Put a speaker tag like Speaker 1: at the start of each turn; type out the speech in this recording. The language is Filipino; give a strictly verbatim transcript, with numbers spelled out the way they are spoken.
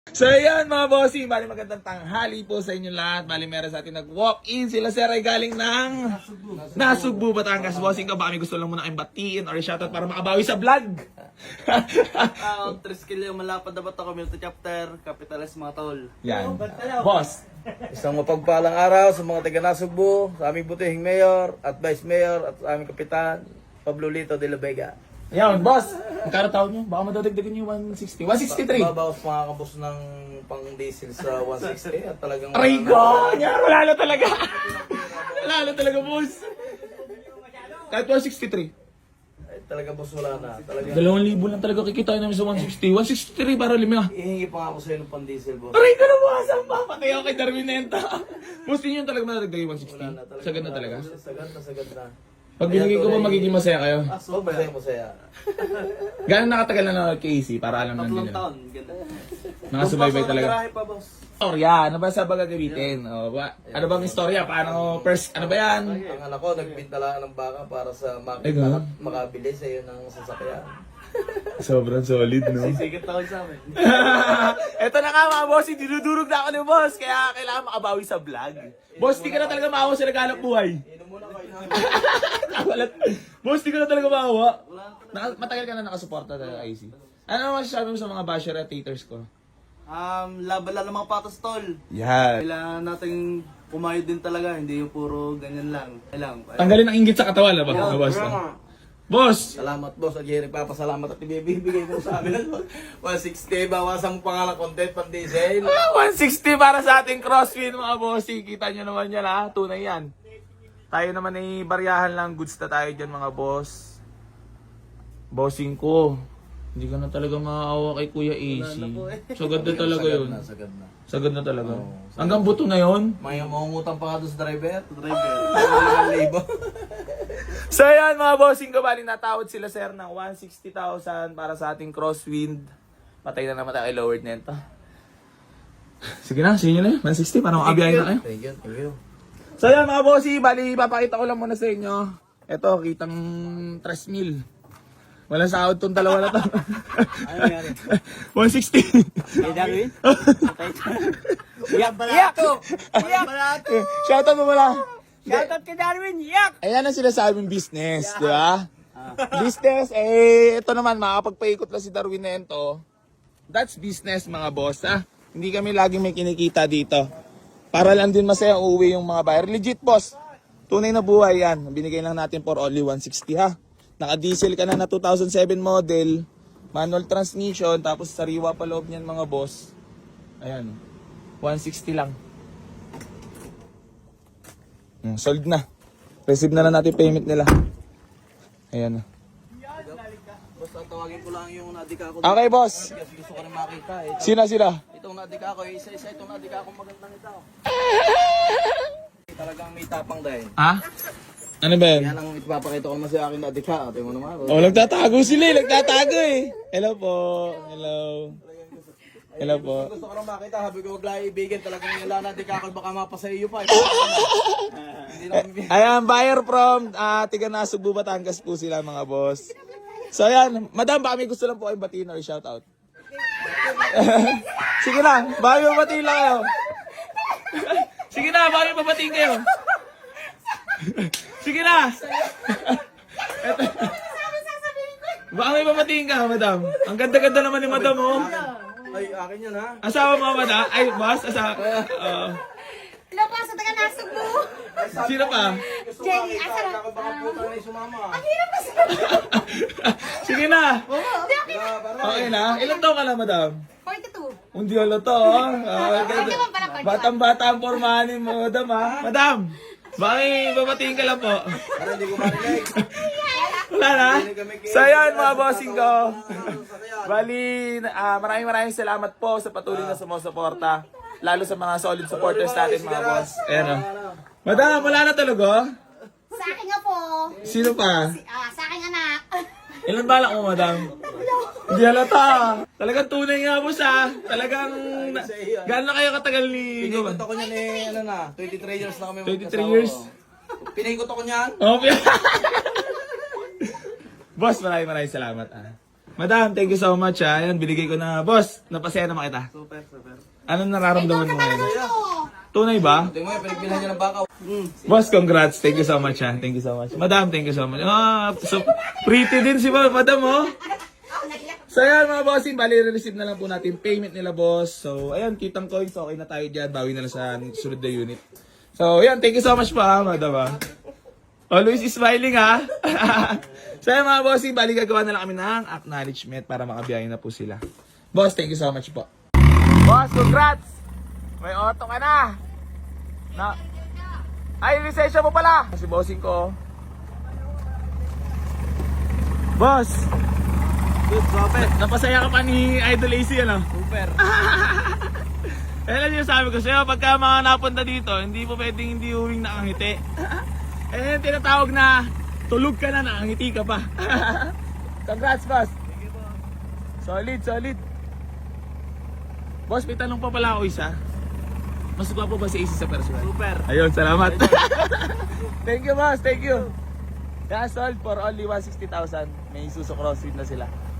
Speaker 1: So ayan mga bossing, bali magandang tanghali po sa inyo lahat. Bali meron sa atin nag-walk-in. Sila sir ay galing ng Nasugbu, Batangas. Bossing ka, baka may gusto lang muna kayong batiin or shoutout para makabawi sa vlog.
Speaker 2: Ah, tres kilo yung malapad na bato community chapter, Capitales mga tol.
Speaker 1: Yan. Boss.
Speaker 3: Isang mapagpalang araw sa mga taga Nasugbu, sa aming butihing mayor at vice mayor at sa aming kapitan, Pablo Lito de la Vega.
Speaker 1: Yan, boss. Magkano tawag nyo? Baka madadagdagan yung one sixty. one sixty-three.
Speaker 3: Babawas mga kabos ng pang diesel sa one sixty at talagang...
Speaker 1: Aray ko! Yan, wala na talaga. Wala na talaga, boss. Kahit one sixty-three.
Speaker 3: Ay, talaga boss wala na. Talagang...
Speaker 1: Dalawang libo lang talaga kikita namin sa one sixty. one sixty-three para lima.
Speaker 3: Ihingi pa nga ako sa'yo ng pang diesel boss.
Speaker 1: Aray ko na boss! Ang papatay ako kay Darwinenta. Boss, din yun talaga madadagdag yung one sixty.
Speaker 3: Wala na talaga.
Speaker 1: Sagad na talaga.
Speaker 3: Sagad na, sagad na.
Speaker 1: Pag binigay ko ba magiging masaya kayo?
Speaker 3: Ah, so masaya, masaya.
Speaker 1: Gano'n nakatagal na nanonood kay A C para alam namin
Speaker 2: Tatlong
Speaker 1: nila.
Speaker 2: taon, ganda.
Speaker 1: Nakasubaybay talaga.
Speaker 2: Garahe pa, boss.
Speaker 1: Istorya, ano ba sa bagagamitin? O, ba? Ano bang istorya? Paano first, ano ba yan?
Speaker 3: Ang anak ko, nagbinta lang ng baka para sa
Speaker 1: Ay,
Speaker 3: makita
Speaker 1: ganun?
Speaker 3: at makabili sa iyo ng sasakyan.
Speaker 1: Sobrang solid, no?
Speaker 2: Sisigit ako sa amin.
Speaker 1: Eto na nga mga boss, dinudurog na ako ni boss, kaya kailangan makabawi sa vlog. Boss, di ka na talaga maawa sa naghanap buhay.
Speaker 3: Inom muna kayo.
Speaker 1: Walat. Boss, di ka na talaga maawa. Naka, matagal ka na nakasuporta sa I C. Ano naman masasabi mo sa mga basher at haters ko?
Speaker 2: Um, laban lang ng mga patos, tol.
Speaker 1: Yan.
Speaker 2: Kailangan natin kumayod din talaga, hindi yung puro ganyan lang. Kailangan.
Speaker 1: Tanggalin ang inggit sa katawan, ba? Yeah, boss. Boss!
Speaker 3: Salamat boss, at Jerry papasalamat at ibibigay mo sa amin ng one sixty, bawasan mo pa nga ng content pang diesel.
Speaker 1: Ah, one sixty para sa ating crossfit mga bossing. Kita nyo naman yan ha, tunay yan. Tayo naman ay baryahan lang, goods na tayo dyan mga boss. Bossing ko, hindi ka na talaga maawa kay Kuya A C. Sagad na talaga
Speaker 3: Sagad
Speaker 1: yun.
Speaker 3: na, sagad na.
Speaker 1: Sagad na talaga. Hanggang buto na yun.
Speaker 3: May mangungutang pa ka doon sa driver.
Speaker 2: Driver.
Speaker 3: Libo.
Speaker 1: So yan mga bossing ko, bali natawad sila sir ng one hundred sixty thousand para sa ating crosswind. Patay na naman tayo kay lowered nento. Sige na, sige nyo na yun. one sixty para makabiyahin na kayo.
Speaker 3: Thank you, thank you.
Speaker 1: So yan mga bossy, bali papakita ko lang muna sa inyo. Ito, kitang tres mil. Walang sahod tong dalawa na to.
Speaker 2: Ano nangyari?
Speaker 1: one sixty.
Speaker 2: Hey, Darwin? Iyak bala to! Iyak bala to!
Speaker 1: Shoutout mo muna.
Speaker 2: Shoutout kay Darwin, iyak!
Speaker 1: Ayan ang sinasabing business, di ba? Business, eh, ito naman, makakapagpaikot lang si Darwin Nento. That's business mga boss, ha? Hindi kami laging may kinikita dito. Para lang din masaya uuwi yung mga buyer. Legit, boss. Tunay na buhay yan. Binigay lang natin for only one sixty, ha? Naka-diesel ka na na two thousand seven model. Manual transmission. Tapos sariwa pa loob niyan mga boss. Ayan. one sixty lang. Hmm, sold na. Receive na lang natin payment nila. Ayan na.
Speaker 3: Boss, tawagin ko lang yung nadika ko.
Speaker 1: Okay, boss.
Speaker 3: Kasi gusto ko rin makita eh.
Speaker 1: Sina sila?
Speaker 3: Itong nadika ko, isa-isa itong nadika ko magandang ito. Talagang may tapang dahil.
Speaker 1: Ha? Ano ba yan?
Speaker 3: Yan ang ipapakita ko naman sa akin nadika. Ate mo naman.
Speaker 1: Oh, nagtatago sila eh. Nagtatago eh. Hello po. Hello. Hello po.
Speaker 3: Gusto ko lang makita, habi ko wag lang ibigin talagang yung lana di kakal baka mapasa iyo pa. Hindi na kami.
Speaker 1: Ayan, buyer from uh, Tiga Nasugbu, Batangas po sila mga boss. So ayan, madam, baka may gusto lang po kayong batiin or shoutout. Sige na, baka may babatiin lang kayo. Sige na, baka may babatiin kayo. Sige na. Eto. Baka may babatiin ka, madam. Ang ganda-ganda naman ni madam, oh.
Speaker 3: Ay, akin yan ha.
Speaker 1: Asawa mo, madam? Ay, boss, asawa. Uh,
Speaker 4: Hello po, sa taga Nasugbu.
Speaker 1: sino pa?
Speaker 4: Jenny, asa na?
Speaker 3: Baka baka puta na yung sumama.
Speaker 4: Ang hirap kasi.
Speaker 1: Sige na.
Speaker 4: Hindi, okay na.
Speaker 1: Okay na. Ilan taon ka na, madam?
Speaker 4: forty-two.
Speaker 1: Hindi ala to, ah. Ah,
Speaker 4: Hindi mo pala pag-
Speaker 1: Batang-bata ang pormahan mo, madam, ha? Madam, bakit babatiin ka lang po?
Speaker 3: Para hindi ko marinig.
Speaker 1: Wala na? So yan, mga bossing ko. Bali, ah, maraming maraming salamat po sa patuloy na sumusuporta. Lalo sa mga solid supporters natin, mga boss. Ayan, oh. Madam, wala na talaga?
Speaker 4: Sa akin nga po.
Speaker 1: Sino pa?
Speaker 4: Ah, sa aking anak.
Speaker 1: Ilan balak mo, madam? Hindi halata. Talagang tunay nga, boss, ha? Talagang, na, gaano na kayo katagal ni...
Speaker 3: Pinikot ako niyan eh, ano na, twenty-three years na kami
Speaker 1: twenty-three
Speaker 3: magkasawa.
Speaker 1: years?
Speaker 3: Pinikot ako niyan.
Speaker 1: Okay. Boss, maraming maraming salamat, ah. Madam, thank you so much ha. Ayan, binigay ko na. Boss, napasaya naman kita.
Speaker 2: Super, super.
Speaker 1: Anong nararamdaman mo ngayon?
Speaker 4: Oo.
Speaker 1: Tunay ba?
Speaker 3: Tingnan mo, pinagbilhan niya ng bakaw.
Speaker 1: Boss, congrats. Thank you so much ha. Thank you so much. Madam, thank you so much. Ah, so pretty din si ma- Madam oh. So ayan mga bossing, bali re-receive na lang po natin payment nila boss. So ayan, kitang coins, okay na tayo dyan. Bawi na lang sa sunod na unit. So ayan, thank you so much pa Madam ha. Always smiling ha. So ayan mga bossing, bali gagawa na lang kami ng acknowledgement para makabiyahin na po sila. Boss, thank you so much po. Boss, congrats! May auto ka na! Na Ay, lisensya mo pala! Si bossing ko. Boss!
Speaker 2: Good, super.
Speaker 1: Napasaya ka pa ni Idol A C, ano?
Speaker 2: Super.
Speaker 1: Eh, alam niyo sabi ko sa'yo, pagka mga napunta dito, hindi po pwedeng hindi uwing nakangiti. Eh, yung tinatawag na, tulog ka na, nakangiti ka pa. Congrats, boss. Solid, solid. Boss, may tanong pa pala ako isa. Mas gwapo ba si A C sa personal?
Speaker 2: Super.
Speaker 1: Ayun, salamat. Thank you, boss. Thank you. Kaya sold for only one hundred sixty thousand. May Isuzu Crosswind na sila.